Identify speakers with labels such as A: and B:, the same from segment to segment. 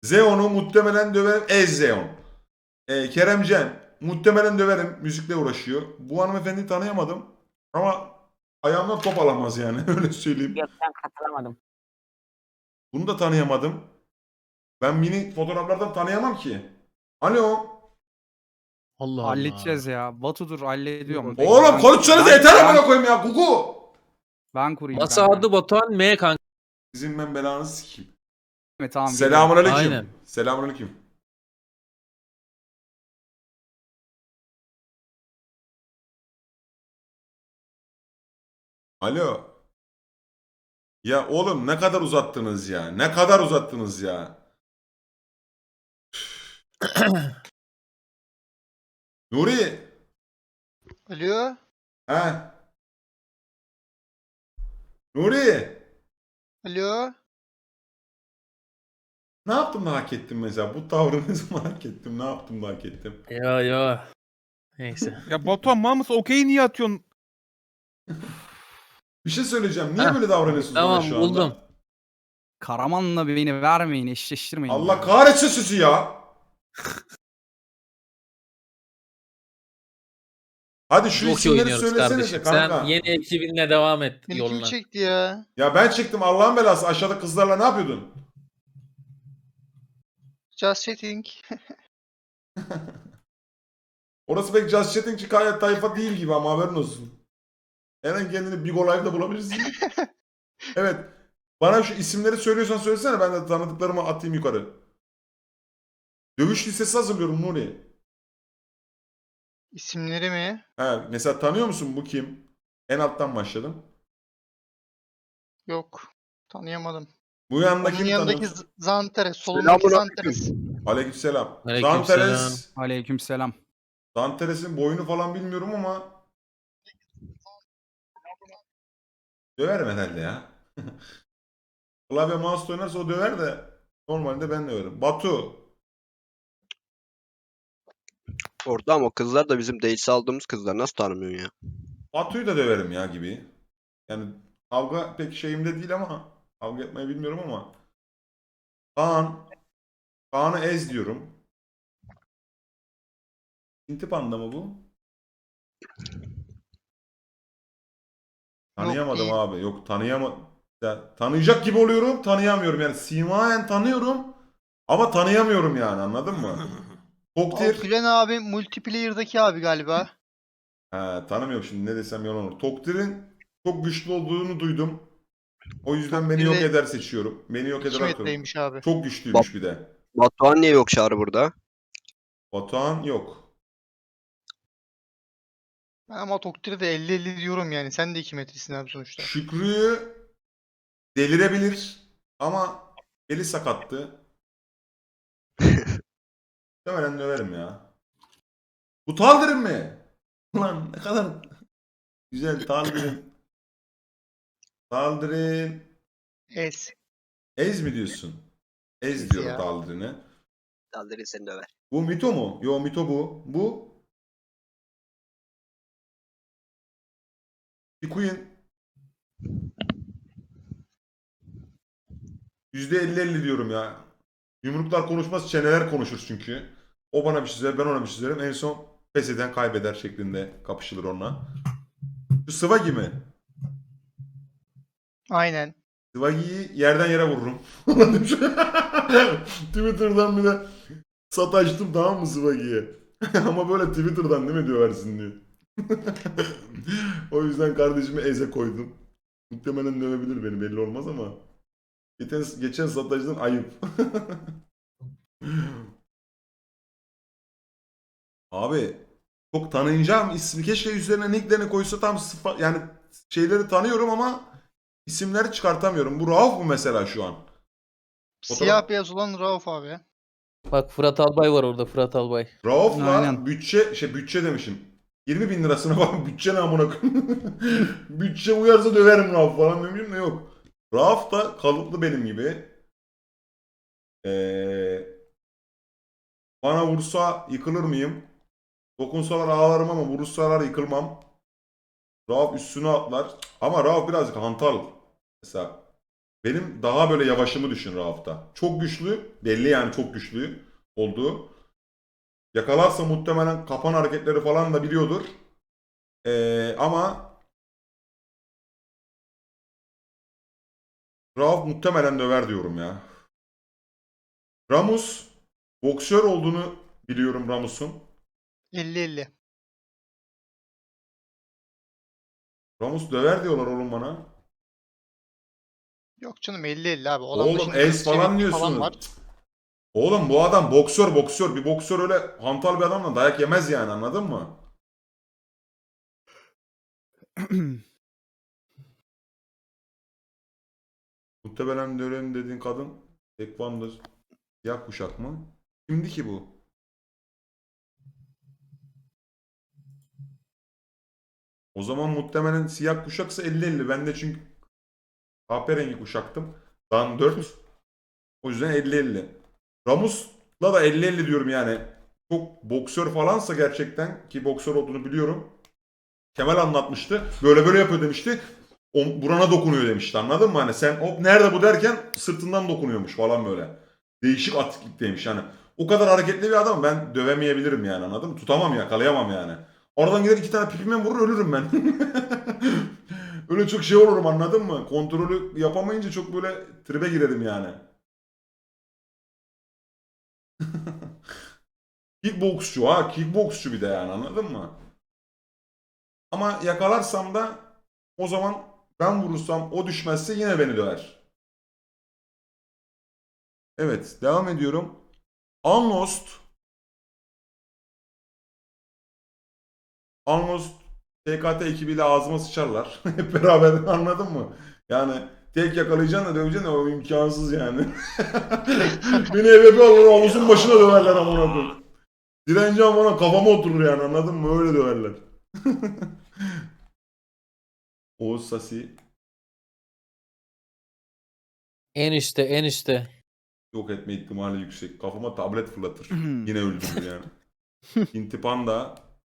A: Zeon'u muhtemelen döverim. Zeon. Keremcen muhtemelen döverim. Müzikle uğraşıyor. Bu hanımefendiyi tanıyamadım. Ama ayağımdan top alamaz yani. Öyle söyleyeyim.
B: Yok ben katılamadım.
A: Bunu da tanıyamadım. Ben mini fotoğraflardan tanıyamam ki. Alo.
C: Allah Allah.
D: Halledeceğiz ya. Batu'dur hallediyorum.
A: Oğlum konuşsanız yeter
D: ben-
A: amına koyayım ya. Gugu.
D: Ben kurayım
C: Masa
D: kanka.
C: adı Batuhan M kanka.
A: Sizin ben belanızı sikeyim.
D: Tamam.
A: Selamünaleyküm.
C: Aynen.
A: Selamünaleyküm. Alo. Ya oğlum ne kadar uzattınız ya? Ne kadar uzattınız ya? Nuri.
E: Alo.
A: He. Nuri.
E: Alo.
A: Ne yaptım da hak ettim mesela? Bu tavrınızı mı hak ettim? Ne yaptım da hak ettim?
C: Yo. Neyse.
F: Ya Batuhan mal mısın? Okey niye atıyorsun?
A: Bir şey söyleyeceğim. Niye
C: Heh,
A: böyle davranıyorsunuz bana
C: tamam,
A: şu anda?
C: buldum.
D: Karaman'la beni vermeyin, eşleştirmeyin.
A: Allah
D: ya.
A: kahretsin sizi ya. Hadi şu
C: Çok iyi
A: isimleri
C: oynuyoruz
A: söylesenize
C: kardeşim.
A: kanka.
C: Sen yeni ekibinle devam et
E: Beni kim
C: yoluna.
E: çekti ya?
A: Ya ben çıktım Allah'ın belası. Aşağıda kızlarla ne yapıyordun?
E: Just chatting.
A: Orası pek Just Chatting tayfa değil gibi ama haberin olsun. Hemen kendini Big Live'da bulabilirsin. Evet. Bana şu isimleri söylüyorsan söylesene. Ben de tanıdıklarımı atayım yukarı. Dövüş listesi hazırlıyorum Nuri.
E: İsimleri mi?
A: He, mesela tanıyor musun bu kim? En alttan başladım.
E: Yok. Tanıyamadım.
A: Bu yanındaki
E: Onun
A: mi
E: yanındaki
A: tanıyorsun?
E: Zanteres. Solundaki Zanteres.
A: Aleykümselam.
C: Aleykümselam.
A: Zanteres.
D: Aleykümselam.
A: Zanteres'in boyunu falan bilmiyorum ama döverim herhalde ya. Klavye mouse oynarsa o döver de normalde ben döverim. Batu.
G: Orada ama o kızlar da bizim değilse aldığımız kızlar. Nasıl tanımıyorsun ya?
A: Batu'yu da döverim ya gibi. Yani kavga pek şeyimde değil ama kavga etmeyi bilmiyorum ama Kaan. Kaan'ı ez diyorum. Hinti Panda mı bu? Tanıyamadım
E: değil.
A: abi. Yok ya, tanıyacak gibi oluyorum. Tanıyamıyorum. Yani simayen tanıyorum. Ama tanıyamıyorum yani anladın mı? Toktir.
E: Gülen abi multiplayer'daki abi galiba.
A: He, tanımıyorum şimdi ne desem yalan olur. Toktir'in çok güçlü olduğunu duydum. O yüzden beni yok
E: Toktir'de
A: eder seçiyorum. Beni yok
E: 2
A: eder atıyorum.
E: metreymiş abi.
A: Çok güçlüymüş bir de.
G: Batuhan niye yok Çağrı burada?
A: Batuhan yok.
E: Ben ama Toktir'e de 50-50 diyorum yani. Sen de 2 metresin abi sonuçta.
A: Şükrü'yü delirebilir ama beli sakattı. Muhtemelen döverim ya. Bu Taldir'in mi? Ulan ne kadar güzel Taldir'in. Taldir'in.
E: Es.
A: Ez mi diyorsun? Ez
E: Ez
A: diyorum
E: ya.
A: Taldir'ine.
G: Dalları seni döver.
A: Bu Mito mu? Yo Mito bu. Bu bir Queen. %50-50 diyorum ya. Yumruklar konuşmaz, çeneler konuşur çünkü. O bana bir şey söyler, ben ona bir şey söylerim. En son pes eden kaybeder şeklinde kapışılır onunla. Şu Swaggy mi?
E: Aynen.
A: Swaggy'yi yerden yere vururum. Twitter'dan bir de sataştım tamam mı Swaggy'ye? Ama böyle Twitter'dan değil mi döversin diye. O yüzden kardeşimi eze koydum. Muhtemelen dövebilir beni belli olmaz ama. Geçen sataştım ayıp. Abi çok tanıyacağım ismi keşke üzerine nicklerini koysa tam yani şeyleri tanıyorum ama isimleri çıkartamıyorum. Bu Rauf mu mesela şu an?
E: Siyah beyaz olan Rauf abi.
C: Bak Fırat Albay var orada, Fırat Albay.
A: Rauf'la
D: Aynen.
A: bütçe demişim. 20 bin lirasına bak bütçe ne amına koyayım. Bütçe uyarsa döverim Rauf falan demişim de yok. Rauf da kalıplı benim gibi. Bana vursa yıkılır mıyım? Dokunsalar ağlarım ama vurursalar yıkılmam. Rauf üstüne atlar. Ama Rauf birazcık hantal. Mesela Benim daha böyle yavaşımı düşün Rauf'ta. Çok güçlü. Belli yani çok güçlü olduğu. Yakalarsa muhtemelen kapan hareketleri falan da biliyordur. Ama Rauf muhtemelen döver diyorum ya. Ramus boksör olduğunu biliyorum Ramus'un.
E: 50-50.
A: Ramus döver diyorlar oğlum bana.
E: Yok canım 50-50 abi. O adamda
A: Oğlum
E: şimdi
A: ace
E: hız
A: falan
E: çevikliği falan
A: diyorsunuz.
E: var.
A: Cık. Oğlum bu adam boksör. Bir boksör öyle hantal bir adamla dayak yemez yani anladın mı? Muhtemelen döverim dediğin kadın Tekvan'dır. Siyah kuşak mı? Kimdi ki bu? O zaman muhtemelen siyah kuşaksa 50-50. Ben de çünkü kahverengi kuşaktım. Dan 4. O yüzden 50-50. Ramus'la da 50-50 diyorum yani. Çok boksör falansa gerçekten ki boksör olduğunu biliyorum. Kemal anlatmıştı. Böyle böyle yapıyor demişti. O, burana dokunuyor demişti anladın mı? Hani sen hop nerede bu derken sırtından dokunuyormuş falan böyle. Değişik atiklikteymiş yani. O kadar hareketli bir adam ben dövemeyebilirim yani anladın mı? Tutamam yakalayamam yani. Oradan gider iki tane pipime vurur ölürüm ben. Öyle çok şey olurum anladın mı? Kontrolü yapamayınca çok böyle tribe girerim yani. Kickboksçu ha kickboksçu bir de yani anladın mı? Ama yakalarsam da o zaman ben vurursam o düşmezse yine beni döver. Evet devam ediyorum. Unlost. Unlost TKT ekibiyle ağzıma sıçarlar. Hep beraber anladın mı? Yani tek yakalayacaksın da döveceksin de o imkansız yani. Beni eve bir alır omuzun başına döverler amına koyayım. Direneceğim bana kafama oturur yani anladın mı? Öyle döverler. Oğuz Sasi
C: En üstte en üstte.
A: yok etme ihtimali yüksek. Kafama tablet fırlatır. Yine öldürür yani. Hinti Panda.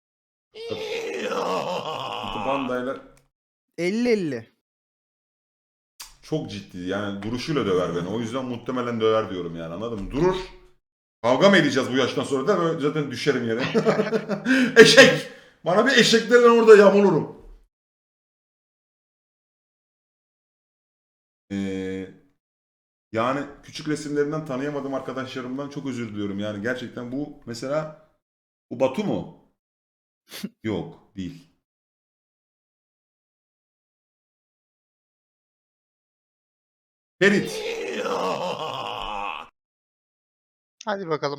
A: Hinti Panda'yla
D: 50-50.
A: çok ciddi yani duruşuyla döver beni. O yüzden muhtemelen döver diyorum yani anladın mı? Durur. Kavga mı edeceğiz bu yaştan sonra da böyle zaten düşerim yere. Eşek! Bana bir eşeklerden orada yamulurum. Ee, yani küçük resimlerinden tanıyamadığım arkadaşlarımdan çok özür diliyorum. Yani gerçekten bu mesela bu Batu mu? Yok değil. Ferit.
E: Hadi bakalım.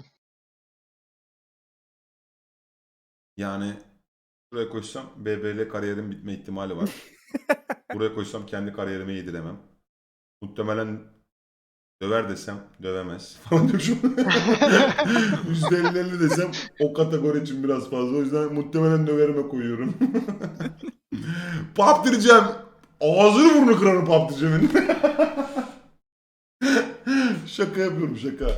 A: Yani buraya koysam BBL kariyerim bitme ihtimali var. Buraya koysam kendi kariyerime yediremem. Muhtemelen döver desem dövemez falan diyormuşum. %50-50 desem o kategori için biraz fazla. O yüzden muhtemelen döverime koyuyorum. Pap diyeceğim. Ağzını burnunu kırarım pap diyeceğimin. Şaka yapıyorum şaka.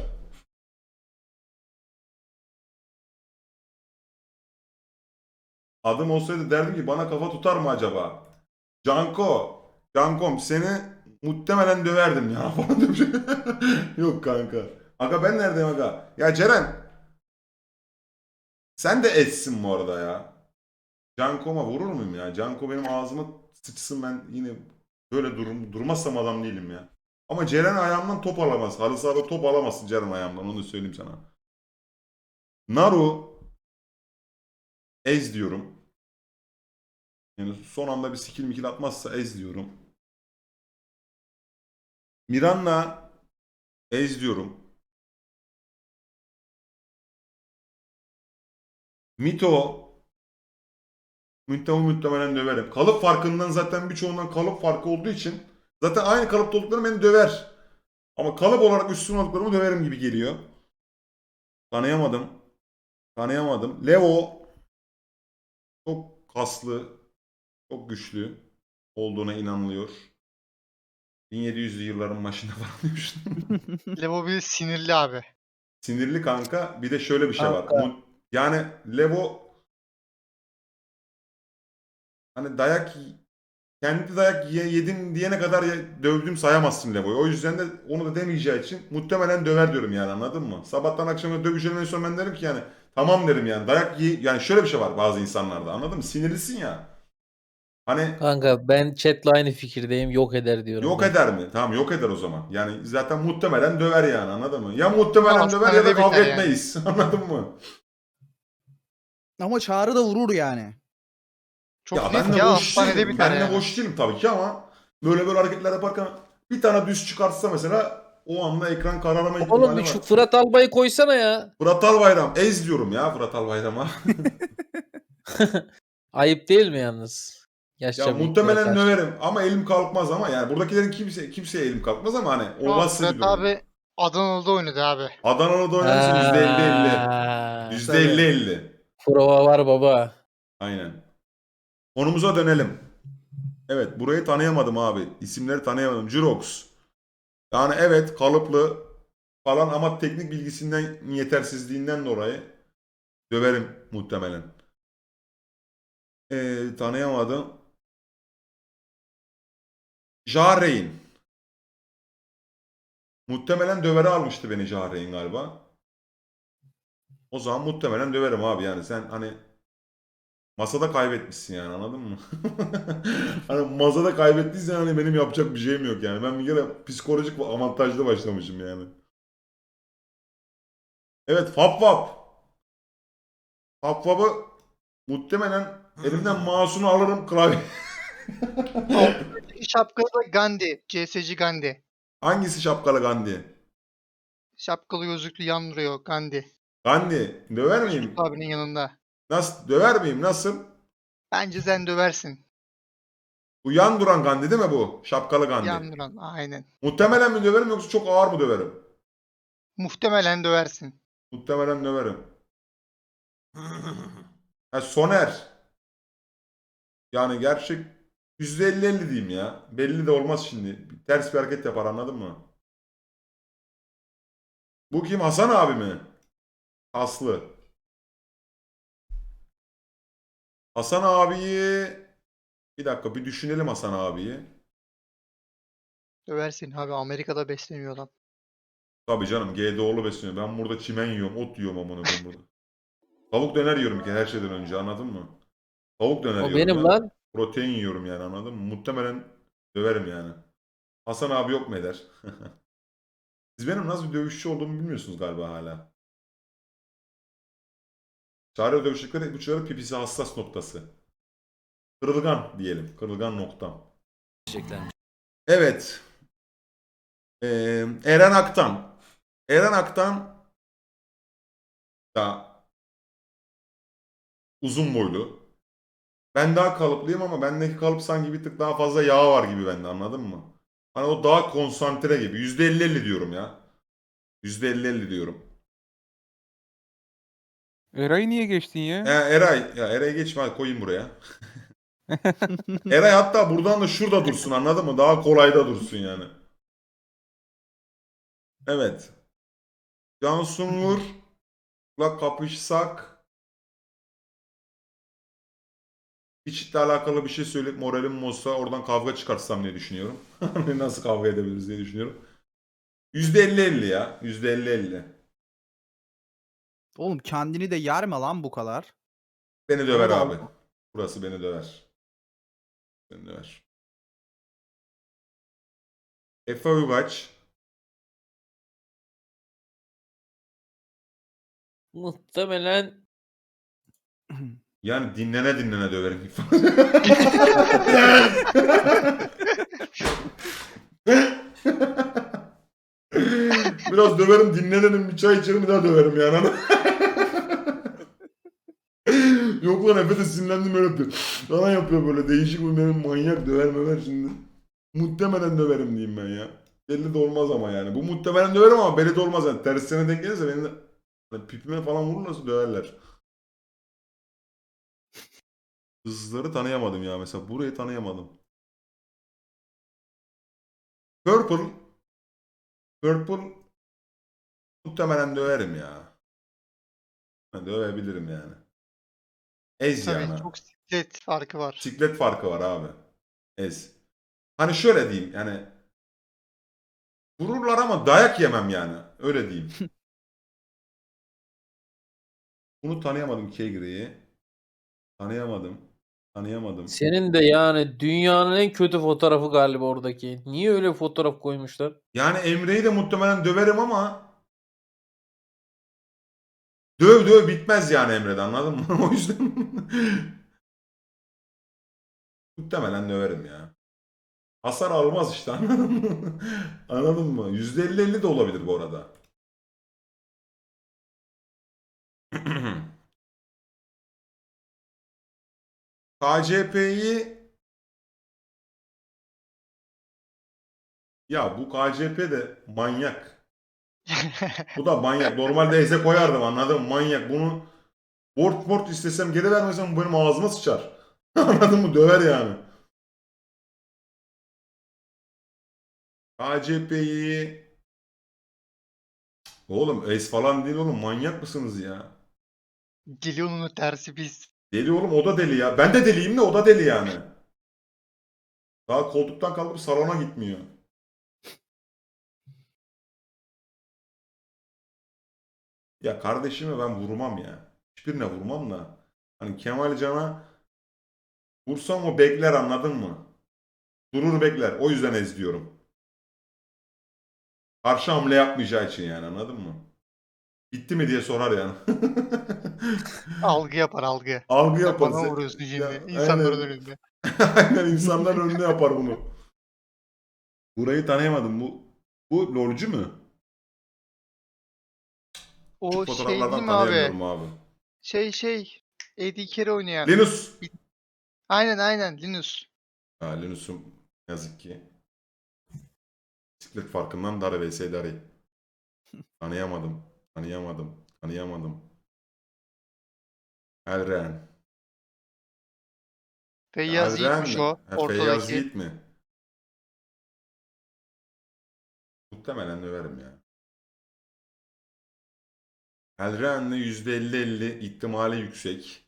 A: Adım olsaydı derdim ki bana kafa tutar mı acaba? Canko. Cankom seni muhtemelen döverdim ya falan demiş. Yok kanka. Aga ben neredeyim aga? Ya Ceren. Sen de etsin bu arada ya. Canko'ma vurur muyum ya? Canko benim ağzıma sıçsın ben yine böyle durmazsam adam değilim ya. Ama Ceren ayağımdan top alamaz. Halı sahada top alamazsın Ceren ayağımdan onu söyleyeyim sana. Naru Ez diyorum. Yani son anda bir skill mikil atmazsa Ez diyorum. Miranna Ez diyorum. Mito muhtemelen döverim. Kalıp farkından zaten birçoğundan kalıp farkı olduğu için zaten aynı kalıpta olduklarım beni döver. Ama kalıp olarak üstün olduklarımı döverim gibi geliyor. Tanıyamadım. Tanıyamadım. Levo çok kaslı, çok güçlü olduğuna inanılıyor. 1700'lü yılların başında falan demiştim.
E: Levo bir sinirli abi.
A: Sinirli kanka. Bir de şöyle bir şey var.
C: Kanka.
A: Yani Levo hani dayak kendi dayak yedin diyene kadar dövdüm sayamazsın Levo'yu. O yüzden de onu da demeyeceği için muhtemelen döver diyorum yani, anladın mı? Sabahtan akşama dövüşelim, en son ben derim ki yani tamam derim yani, dayak yani şöyle bir şey var bazı insanlarda, anladın mı? Sinirlisin ya. Hani
C: Kanka ben chatle aynı fikirdeyim. Yok eder diyorum
A: yok
C: ben.
A: eder mi? Tamam, yok eder o zaman. Yani zaten muhtemelen döver yani, anladın mı? Ya muhtemelen
E: Ama
A: döver ya da
E: hastanede
A: kavga
E: biter yani.
A: etmeyiz. Anladın mı?
D: Ama Çağrı da vurur yani.
E: Çok
A: Ya
E: net
A: ben de
E: ya,
A: boş
E: hastanede
A: değilim.
E: biter
A: Ben de
E: yani.
A: boş değilim tabii ki ama böyle hareketler yaparken bir tane düz çıkartsa mesela o anda ekran kararma ihtimali
C: Oğlum bir
A: var.
C: şu Fırat Albay'ı koysana ya.
A: Fırat Albayram. Ez diyorum ya Fırat Albayram'a.
C: Ayıp değil mi yalnız?
A: Ya
C: Yaşça büyüklere
A: muhtemelen
C: karşı.
A: döverim ama elim kalkmaz ama yani buradakilerin kimseye elim kalkmaz ama hani
E: Şu an
A: olası bir
E: Fırat
A: durum.
E: abi Adanalı'da oynadı abi.
A: Adanalı'da oynarsa %50-50.
C: Ha,
A: %50-50.
C: prova var baba.
A: Aynen. Konumuza dönelim. Evet, burayı tanıyamadım abi. İsimleri tanıyamadım. Jurox. Yani evet, kalıplı falan ama teknik bilgisinden, yetersizliğinden dolayı döverim muhtemelen. Tanıyamadım. Jahreyn. Muhtemelen dövere almıştı beni Jahreyn galiba. O zaman muhtemelen döverim abi, yani sen hani masada kaybetmişsin yani, anladın mı? Hani masada kaybettiysen hani benim yapacak bir şeyim yok yani. Ben bir kere psikolojik avantajlı başlamışım yani. Evet, Fap Fap. Fap Fap'ı muhtemelen elimden mouse'unu alırım, klavye.
E: Şapkalı da Gandhi. CS'ci Gandhi.
A: Hangisi şapkalı Gandhi?
E: Şapkalı gözlüklü yan duruyor Gandhi.
A: Gandhi. Döver
E: Yusuf
A: miyim?
E: abinin yanında.
A: Nasıl? Döver miyim? Nasıl?
E: Bence sen döversin.
A: Bu yan duran Gandhi değil mi bu? Şapkalı Gandhi.
E: Yan duran aynen.
A: Muhtemelen mi döverim yoksa çok ağır mı döverim?
E: Muhtemelen döversin.
A: Muhtemelen döverim. Ha, Soner. Yani gerçek %50-50 diyeyim ya. Belli de olmaz şimdi. Ters bir hareket yapar, anladın mı? Bu kim? Hasan abi mi? Aslı. Hasan abiyi... Bir dakika, bir düşünelim Hasan abiyi.
E: Döversin abi, Amerika'da besleniyor adam.
A: Tabii canım, GDO'lu besleniyor. Ben burada çimen yiyorum, ot yiyorum amına koyayım burada. Tavuk döner yiyorum ki her şeyden önce, anladın mı? Tavuk döner
C: O
A: yiyorum
C: benim
A: ya.
C: lan.
A: Protein yiyorum yani, anladın mı? Muhtemelen döverim yani. Hasan abi yok mu eder? Siz benim nasıl bir dövüşçü olduğumu bilmiyorsunuz galiba hala. Çağrı dövüşçülükleri ipuçları pipisi hassas noktası. Kırılgan diyelim. Kırılgan noktam. Evet. Eren Aktan. Eren Aktan da uzun boylu. Ben daha kalıplıyım ama bendeki kalıp sanki bir tık daha fazla yağ var gibi bende, anladın mı? Hani o daha konsantre gibi. %50-50 diyorum ya. %50-50 diyorum.
F: Eray'ı niye geçtin ya?
A: Eray. Ya Eray'ı geçme, hadi koyayım buraya. Eray hatta buradan da şurada dursun, anladın mı? Daha kolay da dursun yani. Evet. Can Sungur'la kapışsak hiçle alakalı bir şey söyleyip moralim bozsa oradan kavga çıkartsam diye düşünüyorum. Nasıl kavga edebiliriz diye düşünüyorum. %50-50 ya. %50-50.
D: Oğlum kendini de yerme lan bu kadar.
A: Beni döver
D: Ama da
A: abi. Burası beni döver. Beni döver. Efe Uygaç.
C: Muhtemelen
A: Yani dinlene döverim. Biraz döverim, dinlenelim, bir çay içerim, bir daha döverim yani. Yok lan, Efe de sinirlendim öyle yapıyor. Bana yapıyor böyle değişik bir benim manyak döver möver şimdi. Muhtemelen döverim diyeyim ben ya. Belli de olmaz ama yani. Bu muhtemelen döverim ama belli de olmaz yani. Tersine denk gelirse beni de hani pipime falan vururlarsa döverler. Hızları tanıyamadım ya mesela. Burayı tanıyamadım. Purple. Purple muhtemelen döverim ya. Ben dövebilirim yani. Ez
E: Tabii
A: yani.
E: çok siklet farkı var.
A: Siklet farkı var abi. Ez. Hani şöyle diyeyim yani vururlar ama dayak yemem yani. Öyle diyeyim. Bunu tanıyamadım Kegri'yi. Tanıyamadım. Tanıyamadım.
C: Senin de yani dünyanın en kötü fotoğrafı galiba oradaki. Niye öyle fotoğraf koymuşlar?
A: Yani Emre'yi de muhtemelen döverim ama döv bitmez yani Emre'de, anladın mı? O yüzden muhtemelen döverim ya. Hasar almaz işte, anladın mı? Anladın mı? %50-50 de olabilir bu arada. KCP'yi ya bu KCP de manyak. Bu da manyak. Normalde Eze koyardım, anladın mı? Manyak. Bunu borç istesem geri vermesem bu benim ağzıma sıçar. Anladın mı? Döver yani. KCP'yi oğlum es falan değil oğlum. Manyak mısınız ya?
E: Geliyor'un tersi biz.
A: Deli oğlum, o da deli ya. Ben de deliyim de o da deli yani. Daha koltuktan kalkıp salona gitmiyor. Ya kardeşime ben vurmam ya. Hiçbirine vurmam da. Hani Kemal Can'a vursam o bekler, anladın mı? Durur bekler. O yüzden ez diyorum. Karşı hamle yapmayacağı için yani, anladın mı? Bitti mi diye sorar yani.
E: Algı yapar algı.
A: Algı
E: Sen
A: yapar.
E: bana vuruyorsun şimdi.
A: Ya,
E: İnsanların
A: aynen.
E: önünde.
A: Aynen, insanların önünde yapar bunu. Burayı tanıyamadım. Bu lolcu mu? Küçük
E: O şey değil
A: fotoğraflardan
E: mi abi?
A: tanıyamıyorum abi.
E: Eddie Carey oynayan.
A: Linus.
E: Aynen Linus.
A: Ha, Linus'um yazık ki. Bisiklet farkından dar vs Dari. Tanıyamadım. Tanıyamadım. Elren.
E: Feyyaz
A: Elren
E: Yiğit'miş
A: mi?
E: o.
A: Ha, Feyyaz
E: Ortadaki.
A: Yiğit mi? Muhtemelen döverim ya. Elren'le %50-50 ihtimali yüksek.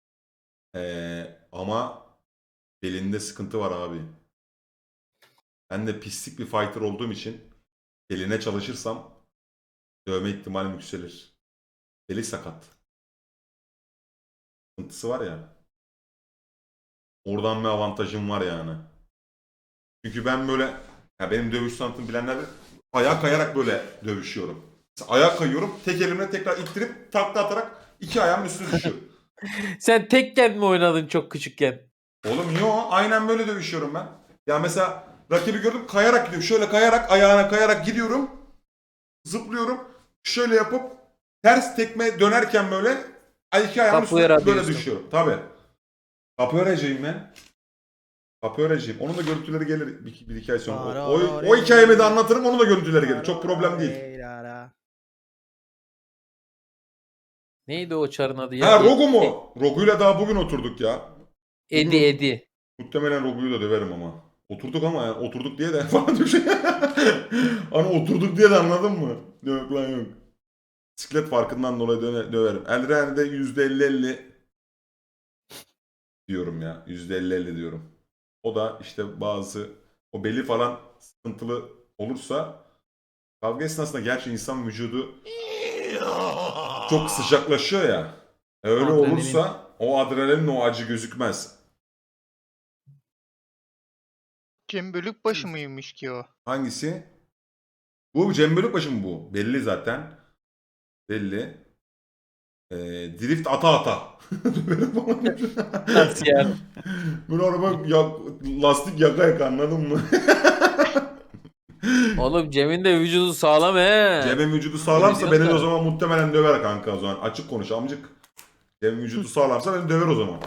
A: Ama belinde sıkıntı var abi. Ben de pislik bir fighter olduğum için eline çalışırsam dövme ihtimalim yükselir. Eli sakat. Sıkıntısı var ya. Oradan bir avantajım var yani. Çünkü ben böyle, ya benim dövüş sanatımı bilenler bilir, ayağa kayarak böyle dövüşüyorum. Mesela ayağa kayıyorum, tek elimle tekrar ittirip takla atarak iki ayağımın üstüne düşüyorum.
C: Sen tekken mi oynadın çok küçükken?
A: Oğlum yo, aynen böyle dövüşüyorum ben. Ya mesela rakibi gördüm, kayarak gidiyorum. Şöyle kayarak, ayağına kayarak gidiyorum. Zıplıyorum. Şöyle yapıp ters tekme dönerken böyle iki ayağımın
C: Capoeira
A: üstüne böyle
C: diyorsun.
A: düşüyorum. Tabii. Capoeira'cıyım ben. Capoeira'cıyım. Onun da görüntüleri gelir bir iki ay sonra. O hikayemi de anlatırım, onun da görüntüleri gelir. Çok problem değil.
C: Neydi o çarın adı ya?
A: Ha, Rogu mu? Rogu'yla daha bugün oturduk ya.
C: Edi.
A: Muhtemelen Rogu'yu da döverim ama. Oturduk ama yani oturduk diye de falan bir şey. Hani oturduk diye de, anladın mı? Yok lan yok. Bisiklet farkından dolayı döverim. Elren'de %50-50 diyorum ya. %50-50 diyorum. O da işte bazı o beli falan sıkıntılı olursa kavga esnasında gerçi insan vücudu çok sıcaklaşıyor ya. Öyle
D: Adrenalin.
A: olursa o adrenalin, o acı gözükmez.
E: Cem Bölükbaşı mıymış ki o?
A: Hangisi? Bu Cem Bölükbaşı mı bu? Belli zaten. Belli. Drift ata.
C: Nasıl yani?
A: Böyle araba lastik yaka anladın mı?
C: Oğlum Cem'in de vücudu sağlam he.
A: Cem'in vücudu sağlamsa
C: Biliyorsun
A: beni de o
C: da.
A: zaman muhtemelen döver kanka o zaman. Açık konuş amcık. Cem'in vücudu sağlamsa beni döver o zaman.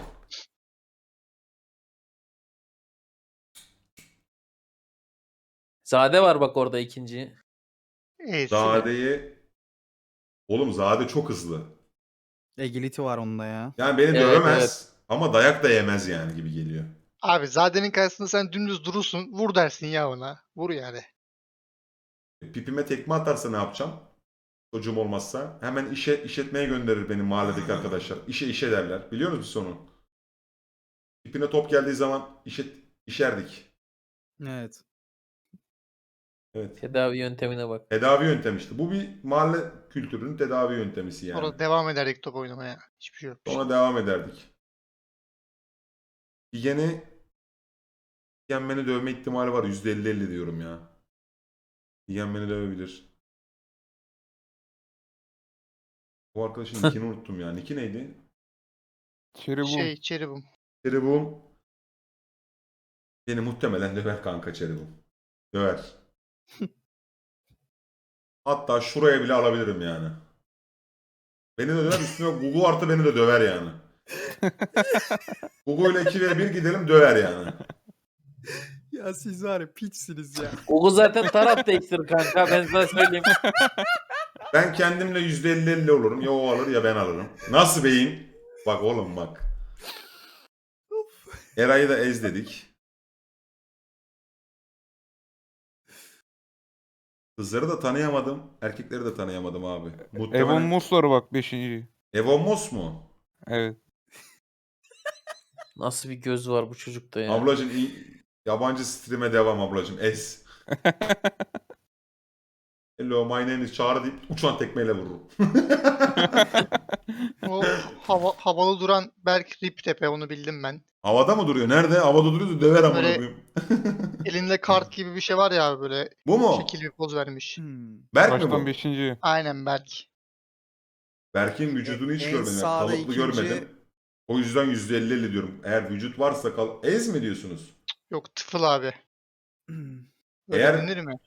C: Zade var bak orada ikinci.
A: Zade'yi... Oğlum Zade çok hızlı.
D: Agility var onda ya.
A: Yani beni
C: Evet,
A: dövemez ama dayak da yemez yani gibi geliyor.
E: Abi Zade'nin karşısında sen dümdüz durursun. Vur dersin ya ona. Vur yani.
A: Pipime tekme atarsa ne yapacağım? Çocuğum olmazsa. Hemen işletmeye gönderir benim mahalledeki arkadaşlar. İşe derler. Biliyor musunuz sonu? Pipine top geldiği zaman İşerdik.
D: Evet.
A: Evet.
C: Tedavi yöntemine bak.
A: Tedavi yöntemi işte. Bu bir mahalle kültürünün tedavi yöntemisi yani.
E: Orada devam ederdik top oynamaya. Hiçbir şey yok.
A: Sonra devam ederdik. Figen'i Figen beni dövme ihtimali var. %50-50 diyorum ya. Figen beni dövebilir. Bu arkadaşın nickini unuttum ya. Nicki neydi?
F: Cherry
E: Cherubim.
A: Cherubum. Beni muhtemelen döver kanka Cherubum. Döver. Hatta şuraya bile alabilirim yani. Beni de döver, üstüne Gugu artı beni de döver yani. Gugu ile 2v1 gidelim, döver yani.
D: Ya siz var ya piçsiniz ya.
C: Google zaten taraf değiştirir kanka, ben sana söyleyeyim.
A: Ben kendimle %50-50 olurum. Ya o alır ya ben alırım. Nasıl beyin? Bak oğlum bak. Eray'ı da ez dedik. Kızları da tanıyamadım. Erkekleri de tanıyamadım abi.
F: Evon
A: Muhtemelen
F: Moss var bak 5.
A: Evon Moss mu?
F: Evet.
C: Nasıl bir göz var bu çocukta ya.
A: Ablacım yabancı stream'e devam ablacım. Ez. Hello my name is Çağrı deyip uçan tekmeyle vururum.
E: O havalı duran Berk Riptepe, onu bildim ben.
A: Havada mı duruyor? Nerede? Havada duruyor da döver amına
E: Böyle-
A: koyayım.
E: Elinde kart gibi bir şey var ya abi, böyle
A: Bu mu?
E: şekil bir poz vermiş.
A: Berk mi
F: Baştan
A: bu?
F: 5.
E: Aynen Berk.
A: Berk'in vücudunu hiç
D: En
A: görmedim. Yani
D: sağda
A: kalıplı
D: ikinci-
A: görmedim. O yüzden %50-50 diyorum. Eğer vücut varsa ez mi diyorsunuz?
E: Yok, tıfıl abi. Öyle
A: Eğer-
E: denir mi?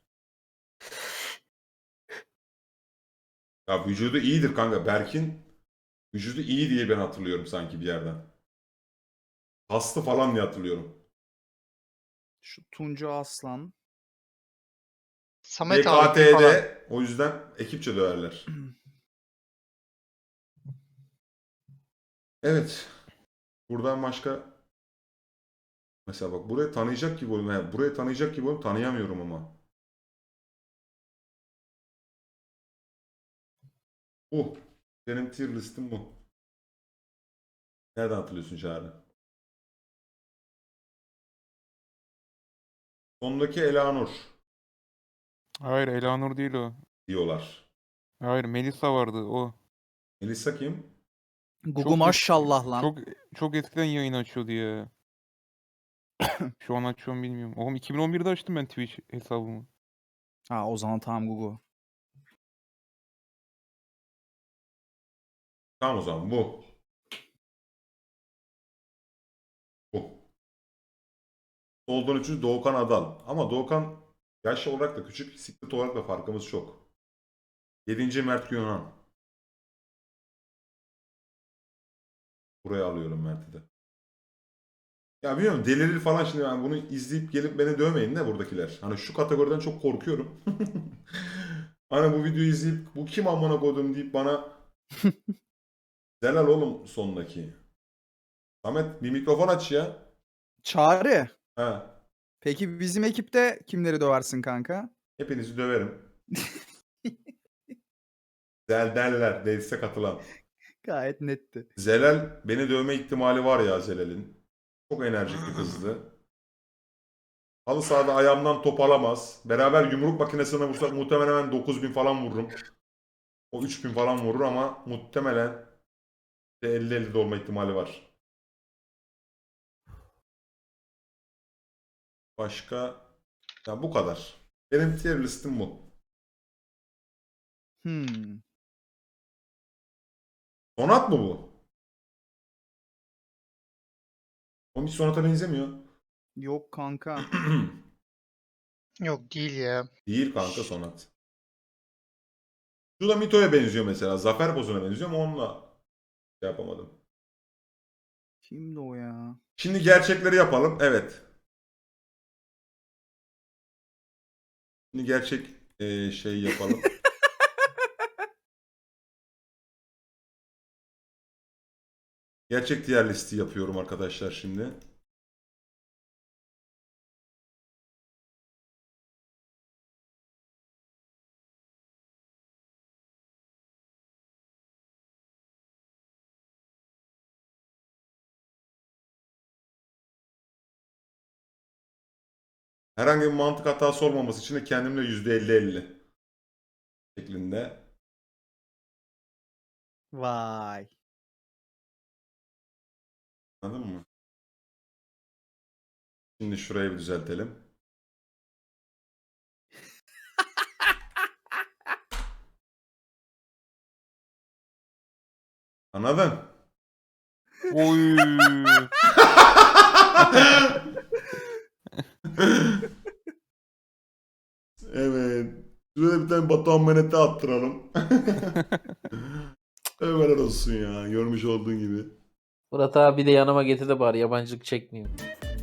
A: Ya vücudu iyidir kanka. Berk'in vücudu iyi diye ben hatırlıyorum sanki bir yerden. Hasta falan diye hatırlıyorum.
D: Şu Tuncu Aslan.
E: Samet abi falan.
A: BKT'de o yüzden ekipçe döverler. Evet. Buradan başka mesela bak burayı tanıyacak gibi oldum. Yani burayı tanıyacak gibi oldum. Tanıyamıyorum ama. Bu. Benim tier listim bu. Nereden hatırlıyorsun Çağrı? Sondaki Elanur
F: Hayır Elanur değil o.
A: diyorlar.
F: Hayır Melisa vardı o.
A: Melisa kim?
D: Gugu
F: Çok
D: maşallah lan.
F: Çok eskiden yayın açıyordu ya. Şu an açıyorum bilmiyorum. Oğlum 2011'de açtım ben Twitch hesabımı.
D: Ha o zaman tamam Gugu.
A: Tamam o zaman bu. Bu. Soldan üçüncü Doğukan Adal. Ama Doğukan yaş olarak da küçük, siklet olarak da farkımız çok. 7. Mert Yunan. Buraya alıyorum Mert'i de. Ya bilmiyorum delirir falan şimdi ben bunu izleyip gelip beni dövmeyin de buradakiler. Hani şu kategoriden çok korkuyorum. Hani bu videoyu izleyip bu kim amına koydum deyip bana Zelal oğlum sondaki. Samet bir mikrofon aç ya.
D: Çağrı.
A: Ha.
D: Peki bizim ekipte kimleri döversin kanka?
A: Hepinizi döverim. Zel derler. Değilse katılan.
D: Gayet netti.
A: Zelal beni dövme ihtimali var ya Zelal'in. Çok enerjik bir kızdı. Halı sahada ayağımdan top alamaz. Beraber yumruk makinesine vursak muhtemelen ben 9.000 falan vururum. O 3.000 falan vurur ama muhtemelen de 50-50 de olma ihtimali var. Başka? Ya bu kadar. Benim tier listim bu. Sonat mı bu? O hiç Sonat'a benzemiyor.
D: Yok kanka.
E: Yok değil ya.
A: Değil kanka Sonat. Şu da Mito'ya benziyor mesela. Zafer Bozun'a benziyor ama onunla şey yapamadım.
D: Kimdi o ya?
A: Şimdi gerçekleri yapalım. Evet. Şimdi gerçek şey yapalım. Gerçek diğer listi yapıyorum arkadaşlar şimdi. Herhangi bir mantık hatası olmaması için de kendimle %50-50 şeklinde.
D: Vay.
A: Anladın mı? Şimdi şurayı bir düzeltelim. Anladın?
F: Oy.
A: Evet. Şuraya bir tane Batuhan Menet'e attıralım. Ömer olsun ya. Görmüş olduğun gibi.
C: Murat abi de yanıma getir de bari yabancılık çekmeyeyim.